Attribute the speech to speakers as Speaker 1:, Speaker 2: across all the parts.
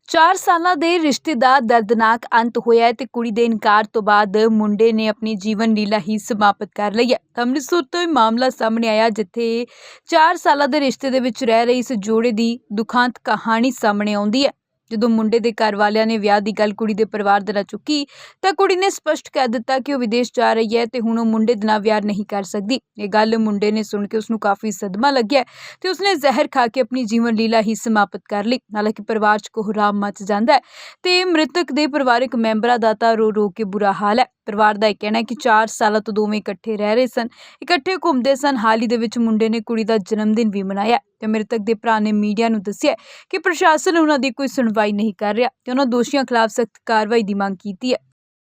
Speaker 1: 4 ਸਾਲਾਂ ਦੇ ਰਿਸ਼ਤੇ ਦਾ ਦਰਦਨਾਕ ਅੰਤ ਹੋਇਆ ਹੈ ਤੇ ਕੁੜੀ ਦੇ ਇਨਕਾਰ ਤੋਂ ਬਾਅਦ ਮੁੰਡੇ ਨੇ ਆਪਣੀ ਜੀਵਨ ਲੀਲਾ ਹੀ ਸਮਾਪਤ ਕਰ ਲਈ ਹੈ। ਅੰਮ੍ਰਿਤਸਰ ਤੋਂ ਇਹ ਮਾਮਲਾ ਸਾਹਮਣੇ ਆਇਆ ਜਿੱਥੇ 4 ਸਾਲਾਂ ਦੇ ਰਿਸ਼ਤੇ ਦੇ ਵਿੱਚ ਰਹਿ ਰਹੀ ਇਸ ਜੋੜੇ ਦੀ ਦੁਖਾਂਤ ਕਹਾਣੀ ਸਾਹਮਣੇ ਆਉਂਦੀ ਹੈ। ਜਦੋਂ ਮੁੰਡੇ ਦੇ ਘਰ ਵਾਲਿਆਂ ਨੇ ਵਿਆਹ ਦੀ ਗੱਲ ਕੁੜੀ ਦੇ ਪਰਿਵਾਰ ਦੇ ਨਾਲ ਚੁੱਕੀ ਤਾਂ ਕੁੜੀ ਨੇ ਸਪਸ਼ਟ ਕਹਿ ਦਿੱਤਾ ਕਿ ਉਹ ਵਿਦੇਸ਼ ਜਾ ਰਹੀ ਹੈ ਤੇ ਹੁਣ ਉਹ ਮੁੰਡੇ ਦੇ ਨਾਲ ਵਿਆਹ ਨਹੀਂ ਕਰ ਸਕਦੀ। ਇਹ ਗੱਲ ਮੁੰਡੇ ਨੇ ਸੁਣ ਕੇ ਉਸਨੂੰ ਕਾਫੀ ਸਦਮਾ ਲੱਗਿਆ ਤੇ ਉਸਨੇ ਜ਼ਹਿਰ ਖਾ ਕੇ ਆਪਣੀ ਜੀਵਨ ਲੀਲਾ ਹੀ ਸਮਾਪਤ ਕਰ ਲਈ। ਹਾਲਾਂਕਿ ਪਰਿਵਾਰ 'ਚ ਕੋਹਰਾਮ ਮਚ ਜਾਂਦਾ ਹੈ ਤੇ ਮ੍ਰਿਤਕ ਦੇ ਪਰਿਵਾਰਕ ਮੈਂਬਰਾਂ ਦਾ ਤਾਂ ਰੋ ਰੋ ਕੇ ਬੁਰਾ ਹਾਲ ਹੈ। ਪਰਿਵਾਰ ਦਾ ਇਹ ਕਹਿਣਾ ਹੈ ਕਿ 4 ਸਾਲਾਂ ਤੋਂ ਦੋਵੇਂ ਇਕੱਠੇ ਰਹਿ ਰਹੇ ਸਨ, ਇਕੱਠੇ ਘੁੰਮਦੇ ਸਨ। ਹਾਲ ਹੀ ਦੇ ਵਿੱਚ ਮੁੰਡੇ ਨੇ ਕੁੜੀ ਦਾ ਜਨਮ ਦਿਨ ਵੀ ਮਨਾਇਆ ਤੇ ਮ੍ਰਿਤਕ ਦੇ ਭਰਾ ਨੇ ਮੀਡੀਆ ਨੂੰ ਦੱਸਿਆ ਕਿ ਪ੍ਰਸ਼ਾਸਨ ਉਹਨਾਂ ਦੀ ਕੋਈ ਸੁਣਵਾਈ ਨਹੀਂ ਕਰ ਰਿਹਾ ਤੇ ਉਹਨਾਂ ਦੋਸ਼ੀਆਂ ਖਿਲਾਫ ਸਖਤ ਕਾਰਵਾਈ ਦੀ ਮੰਗ ਕੀਤੀ ਹੈ।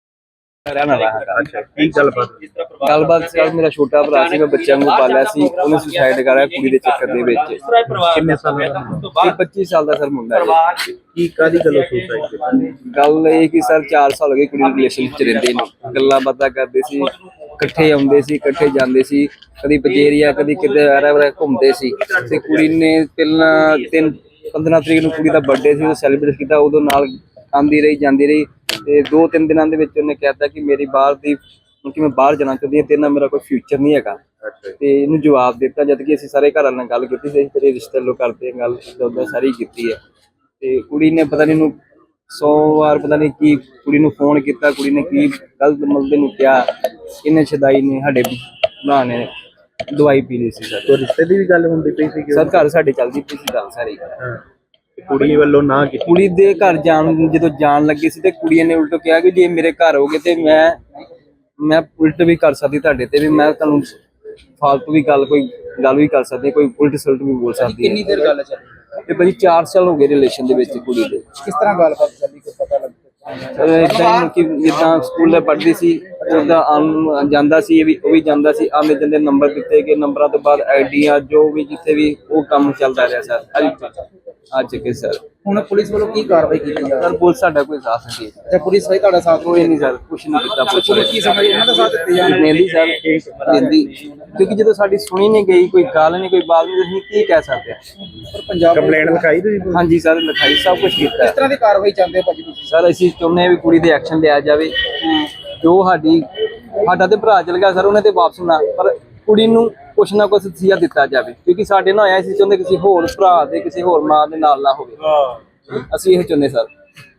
Speaker 2: ਗੱਲਬਾਤ ਸਰ ਮੇਰਾ ਛੋਟਾ ਭਰਾ ਸੀ, ਮੈਂ ਬੱਚਿਆਂ ਨੂੰ ਪਾਲਿਆ ਸੀ, ਉਹਨੇ ਸੁਸਾਈਡ ਕਰਾਇਆ ਕੁੜੀ ਦੇ ਚੱਕਰ ਦੇ ਵਿੱਚ।
Speaker 3: ਕਿੰਨੇ ਸਾਲ ਦਾ?
Speaker 2: 25 ਸਾਲ ਦਾ ਸਰ ਮੁੰਡਾ ਹੈ।
Speaker 3: ਕੀ ਕਾਦੀ ਗੱਲੋਂ ਸੁਸਾਈਡ ਕੀਤੀ?
Speaker 2: ਗੱਲ ਇਹ ਕਿ ਸਰ 4 ਸਾਲ ਹੋ ਗਏ ਕੁੜੀ ਨੂੰ ਰਿਲੇਸ਼ਨ ਚ ਰਹਿੰਦੇ ਨੇ, ਗੱਲਾਂ ਬਾਤਾਂ ਕਰਦੇ ਸੀ, ਇਕੱਠੇ ਆਉਂਦੇ ਸੀ, ਇਕੱਠੇ ਜਾਂਦੇ ਸੀ, ਕਦੀ ਪਜੇਰੀਆ ਕਦੀ ਕਿਤੇ ਵਾਰਾ ਘੁੰਮਦੇ ਸੀ। ਤੇ ਕੁੜੀ ਨੇ ਪਹਿਲਾਂ 15 ਤਰੀਕ ਨੂੰ ਕੁੜੀ ਦਾ ਬਰਥਡੇ ਸੀ, ਉਹ ਸੈਲੀਬ੍ਰੇਟ ਕੀਤਾ, ਉਦੋਂ ਨਾਲ ਆਉਂਦੀ ਰਹੀ ਜਾਂਦੀ ਰਹੀ। ਤੇ 2-3 ਦਿਨਾਂ ਦੇ ਵਿੱਚ ਉਹਨੇ ਕਹਿਤਾ ਕਿ ਮੇਰੀ ਬਾਹਰ ਦੀ ਕਿ ਮੈਂ ਬਾਹਰ ਜਾਣਾ ਚਾਹੁੰਦੀ ਹਾਂ, ਤੇਰੇ ਨਾਲ ਮੇਰਾ ਕੋਈ ਫਿਊਚਰ ਨਹੀਂ ਹੈਗਾ। ਤੇ ਇਹਨੂੰ ਜਵਾਬ ਦਿੱਤਾ ਜਦ ਕਿ ਅਸੀਂ ਸਾਰੇ ਘਰਾਂ ਨਾਲ ਗੱਲ ਕੀਤੀ ਸੀ, ਤੇਰੇ ਰਿਸ਼ਤੇ ਲੋ ਕਰਦੇ ਗੱਲ ਉਦਾਂ ਸਾਰੀ ਕੀਤੀ ਹੈ। ਤੇ ਕੁੜੀ ਨੇ ਪਤਾ ਨਹੀਂ ਇਹਨੂੰ 100 ਵਾਰ ਪਤਾ ਨਹੀਂ ਕੀ ਕੁੜੀ ਨੂੰ ਫੋਨ ਕੀਤਾ, ਕੁੜੀ ਨੇ ਕੀ ਗਲਤ ਮਲਦੇ ਨੂੰ ਕਿਹਾ, ਇਹਨੇ ਛਦਾਈ ਨੇ ਸਾਡੇ ਭਰਾ ਨੇ ਦਵਾਈ ਪੀ ਲਈ ਸੀ ਸਰ।
Speaker 3: ਤੋ ਰਿਸ਼ਤੇ ਦੀ ਵੀ ਗੱਲ ਹੁੰਦੀ ਪਈ ਸੀ
Speaker 2: ਸਰ ਘਰ ਸਾਡੇ ਚੱਲਦੀ ਪਈ ਸੀ ਗੱਲ ਸਾਰੀ।
Speaker 3: ਕੁੜੀ ਵੱਲੋਂ ਨਾ ਕੀਤੀ?
Speaker 2: ਕੁੜੀ ਦੇ ਘਰ ਜਦੋਂ ਜਾਣ ਲੱਗੀ ਸੀ ਤੇ ਕੁੜੀ ਨੇ ਉਲਟ ਕਿਹਾ ਕਿ ਜੇ ਮੇਰੇ ਘਰ ਹੋਗੇ ਤੇ ਮੈਂ ਉਲਟ ਵੀ ਕਰ ਸਕਦੀ ਤੁਹਾਡੇ ਤੇ, ਵੀ ਮੈਂ ਤੁਹਾਨੂੰ ਫਾਲਤੂ ਵੀ ਗੱਲ ਵੀ ਕਰ ਸਕਦੀ, ਕੋਈ ਉਲਟ ਸਲਟ ਵੀ ਬੋਲ ਸਕਦੀ।
Speaker 3: ਕਿੰਨੀ ਦੇਰ ਗੱਲ ਚੱਲੀ?
Speaker 2: ਤੇ ਭਾਜੀ 4 ਸਾਲ ਹੋ ਗਏ ਰਿਲੇਸ਼ਨ ਦੇ ਵਿੱਚ ਕੁੜੀ ਦੇ।
Speaker 3: ਕਿਸ ਤਰ੍ਹਾਂ ਗੱਲਬਾਤ ਚੱਲੀ, ਕੋਈ ਪਤਾ ਲੱਗਦਾ?
Speaker 2: ਇਦਾਂ ਕਿ ਜਿੱਦਾਂ ਸਕੂਲ ਪੜ੍ਹਦੀ ਸੀ ਉਹਦਾ ਜਾਂਦਾ ਸੀ, ਉਹ ਵੀ ਜਾਂਦਾ ਸੀ, ਆਉਂਦੇ ਜਾਂਦੇ ਨੰਬਰ ਦਿੱਤੇ ਗਏ, ਨੰਬਰਾਂ ਤੋਂ ਬਾਅਦ ਆਈਡੀਆਂ ਜੋ ਵੀ ਜਿੱਥੇ ਵੀ ਉਹ ਕੰਮ ਚੱਲਦਾ ਰਿਹਾ ਸਰ ਅੱਜ ਕੇ ਸਰ।
Speaker 3: ਹੁਣ ਪੁਲਿਸ ਵੱਲੋਂ ਕੀ ਕਾਰਵਾਈ ਕੀਤੀ ਜਾ
Speaker 2: ਸਰ ਪੁਲਿਸ ਸਾਡਾ ਕੋਈ ਸਾਥ ਨਹੀਂ ਦੇ
Speaker 3: ਰਹੀ? ਪੁਲਿਸ ਸਹੀ ਤੁਹਾਡਾ ਸਾਥ
Speaker 2: ਕੋਈ ਨਹੀਂ ਸਰ, ਕੁਛ ਨਹੀਂ ਕੀਤਾ
Speaker 3: ਪੁਲਿਸ ਕੀ ਸਮਝ ਇਹਨਾਂ ਦਾ ਸਾਥ ਦਿੱਤੇ ਜਾਣ
Speaker 2: ਲੈਂਦੀ ਸਰ ਲੈਂਦੀ, ਕਿਉਂਕਿ ਜਦੋਂ ਸਾਡੀ ਸੁਣੀ ਨਹੀਂ ਗਈ, ਕੋਈ ਗੱਲ ਨਹੀਂ, ਕੋਈ ਬਾਤ ਨਹੀਂ, ਅਸੀਂ ਕੀ ਕਹਿ ਸਕਦੇ ਹਾਂ।
Speaker 3: ਪਰ ਪੰਜਾਬ ਕੰਪਲੇਂਟ ਲਿਖਾਈ ਤੁਸੀਂ?
Speaker 2: ਹਾਂਜੀ ਸਰ ਲਿਖਾਈ, ਸਭ ਕੁਝ ਕੀਤਾ।
Speaker 3: ਕਿਸ ਤਰ੍ਹਾਂ ਦੀ ਕਾਰਵਾਈ ਚਾਹੁੰਦੇ ਭਾਜੀ ਤੁਸੀਂ?
Speaker 2: ਸਰ ਅਸੀਂ ਚਾਹੁੰਦੇ ਹਾਂ ਵੀ ਕੁੜੀ ਦੇ ਐਕਸ਼ਨ ਲਿਆ ਜਾਵੇ। ਜੋ ਸਾਡਾ ਤੇ ਭਰਾ ਚਲ ਗਿਆ ਸਰ, ਉਹਨੇ ਤੇ ਵਾਪਸ ਨਾ, ਪਰ ਕੁੜੀ ਨੂੰ ਕੁਛ ਨਾ ਕੁਛ ਸਜ਼ਾ ਦਿੱਤਾ ਜਾਵੇ, ਕਿਉਂਕਿ ਸਾਡੇ ਨਾਲ ਆਇਆ ਸੀ ਚਾਹੁੰਦੇ ਕਿਸੇ ਹੋਰ ਭਰਾ ਦੇ ਕਿਸੇ ਹੋਰ ਮਾਂ ਦੇ ਨਾਲ ਨਾ ਹੋਵੇ। ਅਸੀਂ ਇਹ ਚਾਹੁੰਦੇ ਸਰ।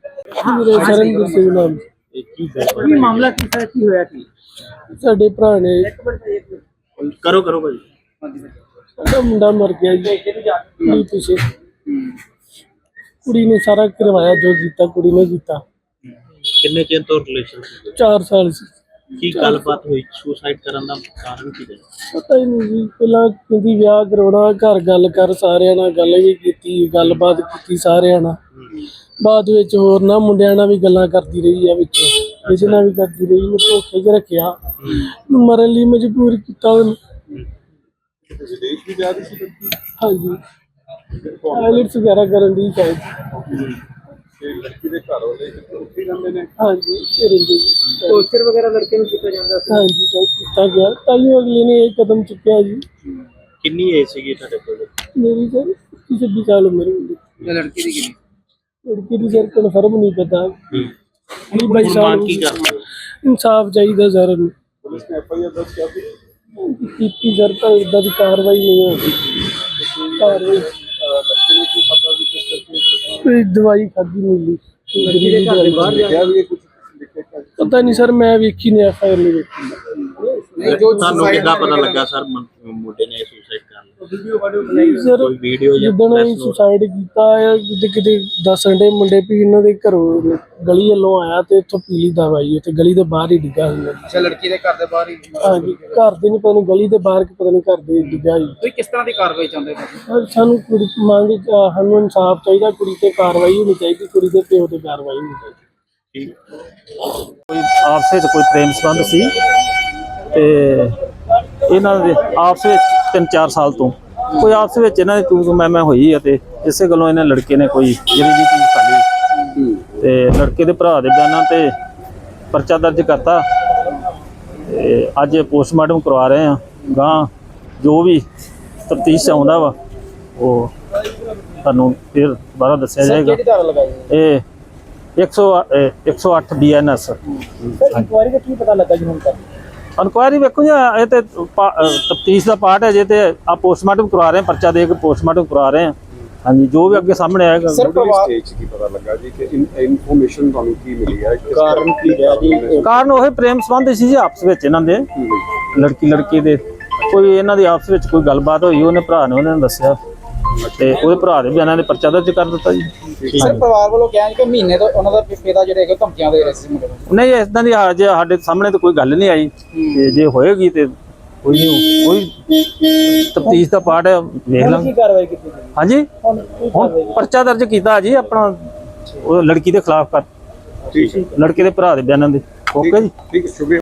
Speaker 3: ਕੀ ਮਾਮਲਾ ਕੀ ਹੋਇਆ? ਕੀ
Speaker 4: ਸਾਡੇ ਭਰਾ ਨੇ
Speaker 3: ਕਰੋ ਭਾਜੀ।
Speaker 4: ਸਾਡਾ ਮੁੰਡਾ ਮਰ ਗਿਆ ਜੀ ਪਿੱਛੇ। ਕੁੜੀ ਨੇ ਸਾਰਾ ਕਰਵਾਇਆ, ਜੋ ਕੀਤਾ ਕੁੜੀ ਨੇ ਕੀਤਾ।
Speaker 3: ਕਿੰਨੇ ਚਿਰ ਤੋਂ ਰਿਲੇਸ਼ਨ ਸੀ?
Speaker 4: 4 ਸਾਲ ਸੀ।
Speaker 3: ਕੀ ਗੱਲਬਾਤ ਹੋਈ? ਸੁਸਾਈਡ ਕਰਨ ਦਾ ਕਾਰਨ ਕੀ ਹੈ?
Speaker 4: ਪਤਾ ਹੀ ਨਹੀਂ ਜੀ, ਪਹਿਲਾਂ ਕਹਿੰਦੀ ਵਿਆਹ ਕਰਾਉਣਾ, ਘਰ ਗੱਲ ਕਰ, ਸਾਰਿਆਂ ਨਾਲ ਗੱਲ ਵੀ ਕੀਤੀ, ਗੱਲਬਾਤ ਕੀਤੀ ਸਾਰਿਆਂ ਨਾਲ। ਬਾਅਦ ਵਿੱਚ ਹੋਰ ਨਾ ਮੁੰਡਿਆਂ ਨਾਲ ਵੀ ਗੱਲਾਂ ਕਰਦੀ ਰਹੀ ਆ, ਵਿੱਚ ਕਿਸੇ ਨਾਲ ਵੀ ਕਰਦੀ ਰਹੀ, ਮੈਂ ਧੋਖੇ 'ਚ ਰੱਖਿਆ, ਮਰਨ ਲਈ ਮਜਬੂਰ ਕੀਤਾ ਉਹਨੂੰ। ਹਾਂਜੀ ਆਈਲੈਟਸ ਵਗੈਰਾ ਕਰਨ ਦੀ ਸ਼ਾਇਦ।
Speaker 3: ਲੜਕੀ ਦੇ ਘਰ ਵਾਲੇ ਉੱਥੇ ਜਾਂਦੇ ਨੇ?
Speaker 4: ਹਾਂਜੀ ਰਹਿੰਦੇ।
Speaker 3: ਟੌਰਚਰ ਵਗੈਰਾ ਲੜਕੇ ਨੂੰ ਕੀਤਾ ਜਾਂਦਾ ਸੀ?
Speaker 4: ਹਾਂਜੀ ਕੀਤਾ ਗਿਆ, ਤਾਈਓ ਅਗਲੇ ਨੇ ਇਹ ਕਦਮ ਚੁੱਕਿਆ ਜੀ।
Speaker 3: ਕਿੰਨੀ ਏਜ ਸੀਗੀ ਤੁਹਾਡੇ ਕੋਲ?
Speaker 4: ਮੇਰੀ ਸਰ 26 ਸਾਲ ਉਮਰ ਹੁੰਦੀ।
Speaker 3: ਲੜਕੀ ਦੀ ਕਿੰਨੀ?
Speaker 4: ਲੜਕੀ ਦੀ ਸਰ ਕਨਫਰਮ ਨਹੀਂ ਪਤਾ।
Speaker 3: ਹੁਣ ਮੰਗ ਕੀ ਕਰਦੇ?
Speaker 4: ਇਨਸਾਫ ਚਾਹੀਦਾ ਸਰ।
Speaker 3: ਪੁਲਿਸ ਨੇ FIR ਦਰਜ ਕਰ ਦਿੱਤੀ?
Speaker 4: ਕੀਤੀ ਸਰ, ਤਾਂ ਇਦਾਂ ਦੀ ਕਾਰਵਾਈ ਨਹੀਂ ਹੋਈ। ਕਾਰਵਾਈ
Speaker 3: ਬੱਚੇ ਨੇ ਕੀ ਪਤਾ ਵੀ ਕਿਸ ਕਰਕੇ
Speaker 4: ਕੋਈ ਦਵਾਈ ਖਾਦੀ ਮਿਲੀ
Speaker 3: ਬਾਹਰ ਜਾ ਵੀ ਕੁਝ
Speaker 4: ਪਤਾ ਨਹੀਂ ਸਰ, ਮੈਂ ਵੇਖੀ ਨਹੀਂ FIR ਨਹੀਂ ਵੇਖੀ।
Speaker 3: ਤੁਹਾਨੂੰ ਕਿੱਦਾਂ ਪਤਾ ਲੱਗਾ ਸਰ ਮੁੰਡੇ ਨੇ ਸੁਸਾਈਡ ਕਰ ਲਿਆ?
Speaker 4: ਸਰ
Speaker 3: ਕੋਈ ਵੀਡੀਓ ਜਾਂ
Speaker 4: ਜਿੱਦਣ ਅਸੀਂ ਸੁਸਾਈਡ ਕੀਤਾ ਹੈ, ਕਿਤੇ ਦੱਸਣ ਦੇ ਮੁੰਡੇ ਵੀ ਇਹਨਾਂ ਦੇ ਘਰੋਂ ਗਲੀ ਵੱਲੋਂ ਆਇਆ ਤੇ ਇੱਥੋਂ ਪੀਲੀ ਦਵਾਈ ਤੇ ਗਲੀ ਦੇ ਬਾਹਰ ਹੀ ਡਿੱਗਾ ਸੀ।
Speaker 3: ਅੱਛਾ, ਲੜਕੀ ਦੇ ਘਰ ਦੇ ਬਾਹਰ ਹੀ?
Speaker 4: ਹਾਂਜੀ ਘਰ ਦੇ ਨਹੀਂ ਪਤਾ ਨਹੀਂ ਗਲੀ ਦੇ ਬਾਹਰ ਪਤਾ ਨਹੀਂ ਘਰ ਦੇ ਡਿੱਗਾ ਜੀ।
Speaker 3: ਤੁਸੀਂ ਕਿਸ ਤਰ੍ਹਾਂ ਦੀ ਕਾਰਵਾਈ ਚਾਹੁੰਦੇ ਹੋ?
Speaker 4: ਸਾਨੂੰ ਕੁੜੀ ਮੰਗ, ਸਾਨੂੰ ਇਨਸਾਫ ਚਾਹੀਦਾ, ਕੁੜੀ ਤੇ ਕਾਰਵਾਈ ਹੋਣੀ ਚਾਹੀਦੀ, ਕੁੜੀ ਦੇ ਪਿਓ ਤੇ ਕਾਰਵਾਈ ਹੋਣੀ ਚਾਹੀਦੀ।
Speaker 5: ਕੋਈ ਆਪਸ ਵਿੱਚ ਕੋਈ ਪ੍ਰੇਮ ਸੰਬੰਧ ਸੀ ਤੇ ਇਹਨਾਂ ਦੇ ਆਪਸ ਵਿੱਚ 3-4 ਸਾਲ ਤੋਂ ਕੋਈ ਆਪਸ ਵਿੱਚ ਇਹਨਾਂ ਦੀ ਤੂੰ ਮੈਂ ਹੋਈ ਅਤੇ ਇਸੇ ਗੱਲੋਂ ਇਹਨਾਂ ਲੜਕੇ ਨੇ ਕੋਈ ਜਿਹੜੀ ਜੀ ਚੀਜ਼ ਖਾਲੀ ਤੇ ਲੜਕੇ ਦੇ ਭਰਾ ਦੇ ਬਿਆਨਾਂ ਤੇ ਪਰਚਾ ਦਰਜ ਕਰਤਾ ਤੇ ਅੱਜ ਪੋਸਟਮਾਰਟਮ ਕਰਵਾ ਰਹੇ ਆ। ਗਾਂ ਜੋ ਵੀ ਤਫਤੀਸ਼ ਆਉਂਦਾ ਵਾ ਉਹ ਤੁਹਾਨੂੰ ਫਿਰ ਦੁਬਾਰਾ ਦੱਸਿਆ ਜਾਏਗਾ।
Speaker 6: ਕਿਹੜੀ ਧਾਰਾ ਲਗਾਈ ਹੈ?
Speaker 5: ਇਹ 108 BNS।
Speaker 6: ਸਰ ਇਨਕੁਆਇਰੀ ਦਾ ਕੀ ਪਤਾ ਲੱਗਾ ਜੀ ਹੁਣ ਤੱਕ?
Speaker 5: ਇਨਕੁਆਇਰੀ ਵੇਖੋ ਜੀ, ਇਹ ਤੇ ਤਫਤੀਸ਼ ਦਾ ਪਾਰਟ ਹੈ ਜੇ, ਤੇ ਆ ਪੋਸਟਮਾਰਟਮ ਕਰਵਾ ਰਹੇ ਹਾਂ, ਪਰਚਾ ਦੇ ਕੇ ਪੋਸਟਮਾਰਟਮ ਕਰਵਾ ਰਹੇ ਹਾਂ। ਹਾਂਜੀ, ਜੋ ਵੀ ਅੱਗੇ ਸਾਹਮਣੇ ਆਏਗਾ।
Speaker 6: ਸਰ ਪਰਿਵਾਰ
Speaker 7: ਸਟੇਜ ਕੀ ਪਤਾ ਲੱਗਾ ਜੀ ਕਿ ਇਨਫੋਰਮੇਸ਼ਨ ਤੁਹਾਨੂੰ ਕੀ ਮਿਲੀ ਹੈ?
Speaker 6: ਕਾਰਨ ਕੀ ਹੈ ਜੀ?
Speaker 5: ਕਾਰਨ ਉਹ ਪ੍ਰੇਮ ਸੰਬੰਧ ਸੀ ਜੀ ਆਪਸ ਵਿੱਚ ਇਹਨਾਂ ਦੇ, ਲੜਕੀ ਦੇ ਕੋਈ ਇਹਨਾਂ ਦੀ ਆਪਸ ਵਿੱਚ ਕੋਈ ਗੱਲਬਾਤ ਹੋਈ, ਉਹਨੇ ਭਰਾ ਨੇ ਉਹਨਾਂ ਨੂੰ ਦੱਸਿਆ ਤੇ ਉਹਦੇ ਭਰਾ ਦੇ ਬਿਆਨਾਂ ਦੇ ਪਰਚਾ ਦਰਜ ਕਰ ਦਿੱਤਾ ਜੀ।
Speaker 6: ਸਰ ਪਰਿਵਾਰ ਵੱਲੋਂ ਕਿਹਾ ਕਿ ਮਹੀਨੇ ਤੋਂ ਉਹਨਾਂ ਦਾ ਪਿਤਾ ਜਿਹੜੇ ਹੈਗੇ ਧਮਕੀਆਂ ਦੇ ਰਹੇ ਸੀ ਮੁੰਡੇ ਨੂੰ।
Speaker 5: ਨਹੀਂ, ਇਦਾਂ ਦੀ ਜੇ ਸਾਡੇ ਸਾਹਮਣੇ ਤਾਂ ਕੋਈ ਗੱਲ ਨਹੀਂ ਆਈ, ਤੇ ਜੇ ਹੋਏਗੀ ਤੇ ਕੋਈ ਤਫਤੀਸ਼ ਦਾ ਪਾਰਟ ਹੈ, ਵੇਖ ਲਾਂਗੇ।
Speaker 6: ਕੀ ਕਾਰਵਾਈ ਕੀਤੀ ਗਈ?
Speaker 5: ਹਾਂਜੀ,
Speaker 6: ਹੁਣ ਕੀ
Speaker 5: ਹੁਣ
Speaker 6: ਕਾਰਵਾਈ?
Speaker 5: ਪਰਚਾ ਦਰਜ ਕੀਤਾ ਜੀ ਆਪਣਾ ਉਹ ਲੜਕੀ ਦੇ ਖਿਲਾਫ ਕਰ,
Speaker 7: ਠੀਕ ਹੈ,
Speaker 5: ਲੜਕੇ ਦੇ ਭਰਾ ਦੇ ਬਿਆਨਾਂ ਦੇ। ਓਕੇ ਜੀ।
Speaker 7: ਠੀਕ ਹੈ, ਸ਼ੁਕਰੀਆ।